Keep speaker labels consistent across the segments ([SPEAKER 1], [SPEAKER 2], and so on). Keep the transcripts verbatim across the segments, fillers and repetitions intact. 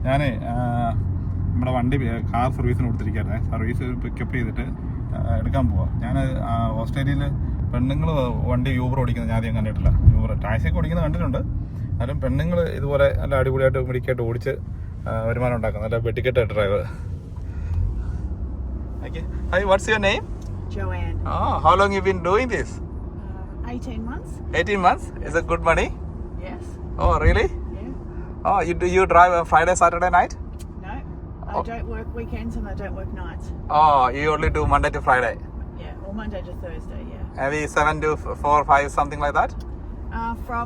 [SPEAKER 1] ഞാനേ നമ്മുടെ വണ്ടി കാർ സർവീസിന് കൊടുത്തിരിക്കുകയായിരുന്നേ. സർവീസ് പിക്കപ്പ് ചെയ്തിട്ട് എടുക്കാൻ പോവാം. ഞാൻ ഓസ്ട്രേലിയയിൽ പെണ്ണുങ്ങൾ വണ്ടി യൂബർ ഓടിക്കുന്നത് ഞാൻ ആദ്യം കണ്ടിട്ടില്ല. യൂബർ ടാക്സിയൊക്കെ ഓടിക്കുന്നത് കണ്ടിട്ടുണ്ട്. എന്നാലും പെണ്ണുങ്ങൾ ഇതുപോലെ നല്ല അടിപൊളിയായിട്ട് മിടിക്കായിട്ട് ഓടിച്ച് വരുമാനം ഉണ്ടാക്കും. നല്ല വെട്ടിക്കെട്ട് driver. Okay. Hi, what's your name?
[SPEAKER 2] Joanne.
[SPEAKER 1] Oh, how long you been doing this?
[SPEAKER 2] Uh, eighteen months.
[SPEAKER 1] eighteen months? Is it good money?
[SPEAKER 2] Yes.
[SPEAKER 1] Oh, really?
[SPEAKER 2] Yeah.
[SPEAKER 1] Oh, you do you drive on Friday, Saturday night?
[SPEAKER 2] No, I
[SPEAKER 1] Oh.
[SPEAKER 2] don't work weekends and I don't work nights.
[SPEAKER 1] Oh, you only do Monday to Friday?
[SPEAKER 2] Yeah, or Monday to Thursday, yeah.
[SPEAKER 1] Maybe seven to four, five, something like that?
[SPEAKER 2] Uh, from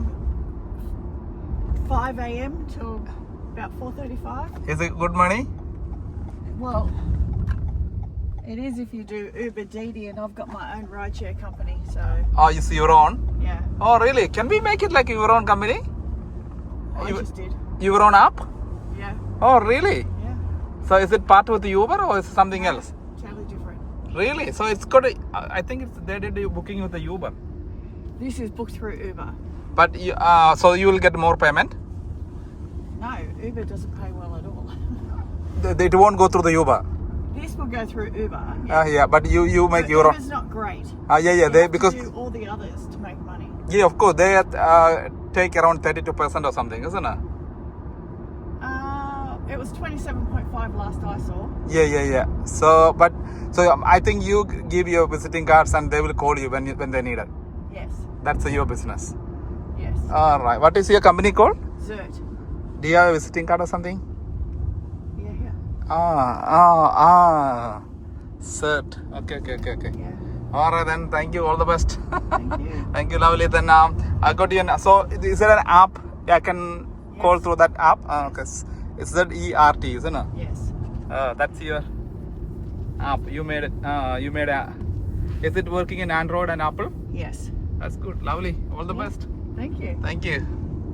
[SPEAKER 2] five a.m. till about four thirty-five.
[SPEAKER 1] Is it good money?
[SPEAKER 2] Well, it is if you do Uber Didi, and I've got my own rideshare company, so
[SPEAKER 1] Oh, you see your own?
[SPEAKER 2] yeah.
[SPEAKER 1] Oh, really? Can we make it like your own company?
[SPEAKER 2] I
[SPEAKER 1] You-
[SPEAKER 2] just did.
[SPEAKER 1] Your own app?
[SPEAKER 2] Yeah,
[SPEAKER 1] Oh, really?
[SPEAKER 2] yeah.
[SPEAKER 1] So is it part with the Uber or is it something else?
[SPEAKER 2] Totally different.
[SPEAKER 1] Really? So it's got a, I think it's they did the booking with the Uber.
[SPEAKER 2] This is booked through Uber.
[SPEAKER 1] But you, uh, so you will get more payment?
[SPEAKER 2] No, Uber doesn't pay well at all.
[SPEAKER 1] They, they won't go through the Uber.
[SPEAKER 2] This will go through Uber.
[SPEAKER 1] Uh, yeah, but you you make
[SPEAKER 2] But
[SPEAKER 1] your own.
[SPEAKER 2] Uber's not great.
[SPEAKER 1] Uh, yeah, yeah,
[SPEAKER 2] You
[SPEAKER 1] they
[SPEAKER 2] have to
[SPEAKER 1] because
[SPEAKER 2] do all the others to make money.
[SPEAKER 1] yeah, of course they uh, take around thirty-two percent or something, isn't it?
[SPEAKER 2] Uh, it was twenty-seven point five last I saw.
[SPEAKER 1] Yeah, yeah, yeah. So, but so um, I think you give your visiting cards and they will call you when you, when they need it.
[SPEAKER 2] Yes,
[SPEAKER 1] That's your business.
[SPEAKER 2] yes.
[SPEAKER 1] All right. What is your company called?
[SPEAKER 2] Zert.
[SPEAKER 1] Do you have a visiting card or something?
[SPEAKER 2] Yeah, yeah,
[SPEAKER 1] Ah, ah, ah. Cert. Okay, okay, okay, okay.
[SPEAKER 2] yeah.
[SPEAKER 1] All right then. Thank you. All the best.
[SPEAKER 2] Thank you.
[SPEAKER 1] Thank you, lovely. Then um, I got you. An, so is there an app I can call
[SPEAKER 2] Yes.
[SPEAKER 1] through that app? Uh, okay. It's Z E R T, isn't it?
[SPEAKER 2] Yes.
[SPEAKER 1] Uh, that's your app. You made it. Uh, you made a. Is it working in Android and Apple?
[SPEAKER 2] Yes.
[SPEAKER 1] That's good. Lovely. All the
[SPEAKER 2] Yeah.
[SPEAKER 1] best.
[SPEAKER 2] Thank you.
[SPEAKER 1] Thank you.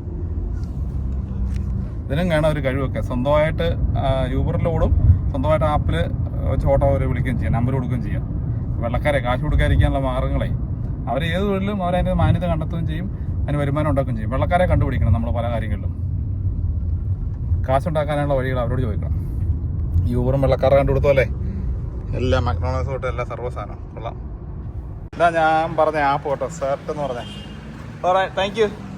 [SPEAKER 1] ഇതിനും കാണാൻ ഒരു കഴിവൊക്കെ സ്വന്തമായിട്ട് യൂബറിലോടും സ്വന്തമായിട്ട് ആപ്പിൽ വെച്ച് auto അവർ വിളിക്കുകയും ചെയ്യാം, number കൊടുക്കുകയും ചെയ്യാം. വെള്ളക്കാരെ കാശ് കൊടുക്കാതിരിക്കാനുള്ള മാർഗ്ഗങ്ങളെ അവർ ഏത് തൊഴിലും അവരതിൻ്റെ മാന്യത കണ്ടെത്തുകയും ചെയ്യും, അതിന് വരുമാനം ഉണ്ടാക്കുകയും ചെയ്യും. വെള്ളക്കാരെ കണ്ടുപിടിക്കണം നമ്മൾ പല കാര്യങ്ങളിലും. കാശുണ്ടാക്കാനുള്ള വഴികൾ അവരോട് ചോദിക്കണം. യൂബറും വെള്ളക്കാരെ കണ്ടുകൊടുത്തല്ലേ എല്ലാം മക്ഡൊണാൾഡ്സ് തൊട്ട് എല്ലാ സർവ്വ സാധനവും കൊള്ളാം. ഇതാ ഞാൻ പറഞ്ഞ ആപ്പ് കേട്ടോ, സെർട്ട് എന്ന് പറഞ്ഞേ. All right, thank U.